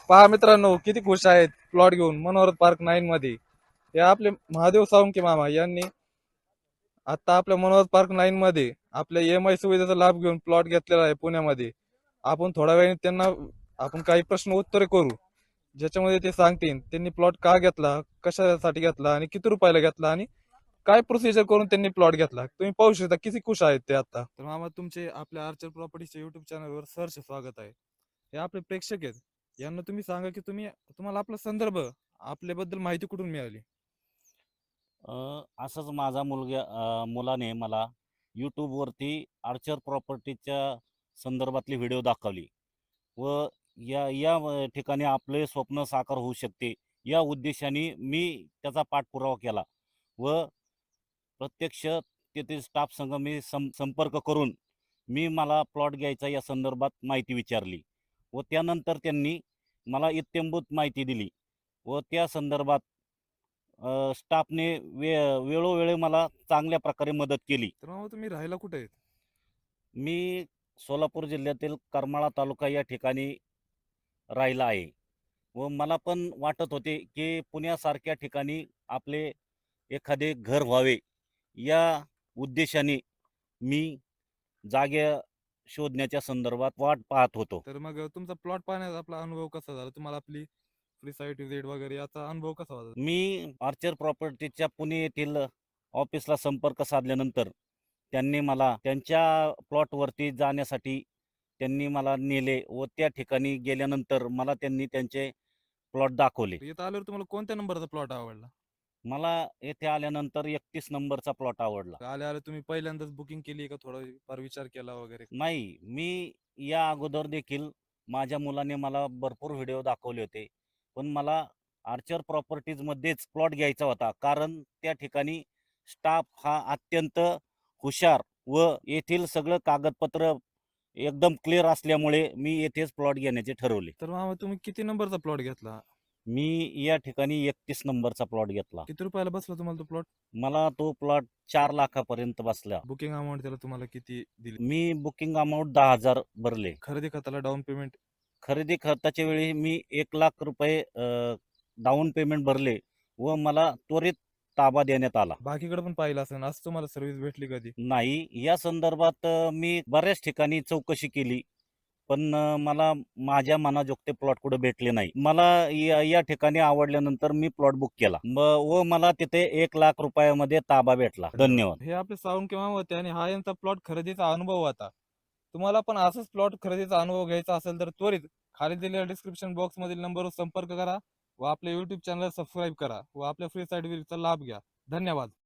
पहा मित्रांनो, किती खुश आहेत प्लॉट घेऊन मनोहर पार्क 9 मध्ये. हे आपले महादेव साळुंखे मामा यांनी आता आपल्या मनोहर पार्क 9 मध्ये आपल्या EMI सुविधेचा लाभ घेऊन प्लॉट घेतलेला आहे पुण्यामध्ये. आपण थोड्या वेळाने त्यांना आपण काही प्रश्न उत्तरे करू, ज्याच्यामध्ये ते सांगतील त्यांनी प्लॉट का घेतला, कशासाठी घेतला आणि किती रुपयाला घेतला आणि काय प्रोसिजर करून त्यांनी प्लॉट घेतला. तुम्ही पाहू शकता किती खुश आहेत ते आता. तर मामा, तुमचे आपल्या आर्चर प्रॉपर्टीच्या युट्यूब चॅनलवर सहर्ष स्वागत आहे. हे आपले प्रेक्षक आहेत. यांना तुम्ही सांगा की तुम्हाला आपला संदर्भ, आपल्याबद्दल माहिती कुठून मिळाली. असंच माझा मुलाने मला यूट्यूबवरती आर्चर प्रॉपर्टीच्या संदर्भातली व्हिडिओ दाखवली व या या ठिकाणी आपले स्वप्न साकार होऊ शकते या उद्देशाने मी त्याचा पाठपुरावा केला व प्रत्यक्ष तेथील स्टाफ संघ मी संपर्क करून मला प्लॉट घ्यायचा या संदर्भात माहिती विचारली व त्यानंतर त्यांनी मला इत्थंभूत माहिती दिली व त्या संदर्भात स्टाफने वेळोवेळी मला चांगल्या प्रकारे मदत केली. तर मामा, तुम्ही राहायला कुठे आहेत. मी सोलापूर जिल्ह्यातील करमाळा तालुका या ठिकाणी राहिला आहे व मला पण वाटत होते की पुण्यासारख्या ठिकाणी आपले एखादे घर व्हावे या उद्देशाने मी जागे शोधण्याच्या संदर्भात वाट पाहत होतो. तर मग तुमचा प्लॉट पाहण्याचा आपला अनुभव कसा झाला, तुम्हाला आपली फ्री साईट विजिट वगैरे याचा अनुभव कसा होता. मी आर्चर प्रॉपर्टीच्या पुणे येथील ऑफिसला संपर्क साधल्यानंतर त्यांनी मला त्यांच्या प्लॉटवरती जाण्यासाठी मला नेले व त्या ठिकाणी गेल्यानंतर मला त्यांनी त्यांचे प्लॉट दाखवले. इथं आल्यावर तुम्हाला कोणत्या नंबरचा प्लॉट आवडला. मला येथे आल्यानंतर 31 नंबरचा प्लॉट आवडला. आल्या आल्या तुम्ही पहिल्यांदाच बुकिंग केली का थोडा फार विचार केला वगैरे. नाही, मी या अगोदर देखील माझ्या मुलाने मला भरपूर व्हिडिओ दाखवले होते, पण मला आर्चर प्रॉपर्टीजमध्येच प्लॉट घ्यायचा होता, कारण त्या ठिकाणी स्टाफ हा अत्यंत हुशार व येथील सगळं कागदपत्र एकदम क्लिअर असल्यामुळे मी येथेच प्लॉट घेण्याचे ठरवले. तर मामा, तुम्ही किती नंबरचा प्लॉट घेतला. मी या ठिकाणी 31 नंबरचा प्लॉट घेतला. किती रुपयाला बसला तुम्हाला तो प्लॉट. मला तो प्लॉट 4 लाखापर्यंत बसला. बुकिंग अमाऊंट त्याला तुम्हाला किती दिली. मी बुकिंग अमाऊंट 10,000 भरले. खरेदी खताला डाऊन पेमेंट. खरेदी खर्चाच्या वेळी मी 1,00,000 रुपये डाऊन पेमेंट भरले व मला त्वरित ताबा देण्यात आला. बाकीकडे पण पाहिलं असेल, असं तुम्हाला सर्व्हिस भेटली कधी. नाही, या संदर्भात मी बऱ्याच ठिकाणी चौकशी केली, पण मला माझ्या मनाजोगते प्लॉट कुठे भेटले नाही. मला या ठिकाणी आवडल्यानंतर मी प्लॉट बुक केला व मला तिथे 1,00,000 रुपयामध्ये ताबा भेटला. धन्यवाद. हे आपले साळुंखे मामा होते आणि हा यांचा प्लॉट खरेदीचा अनुभव होता. तुम्हाला पण असाच प्लॉट खरेदीचा अनुभव घ्यायचा असेल तर त्वरित खाली दिलेल्या डिस्क्रिप्शन बॉक्स मधील नंबरवर संपर्क करा व आपल्या युट्यूब चॅनल सबस्क्राईब करा व आपल्या फ्री साईट चा लाभ घ्या. धन्यवाद.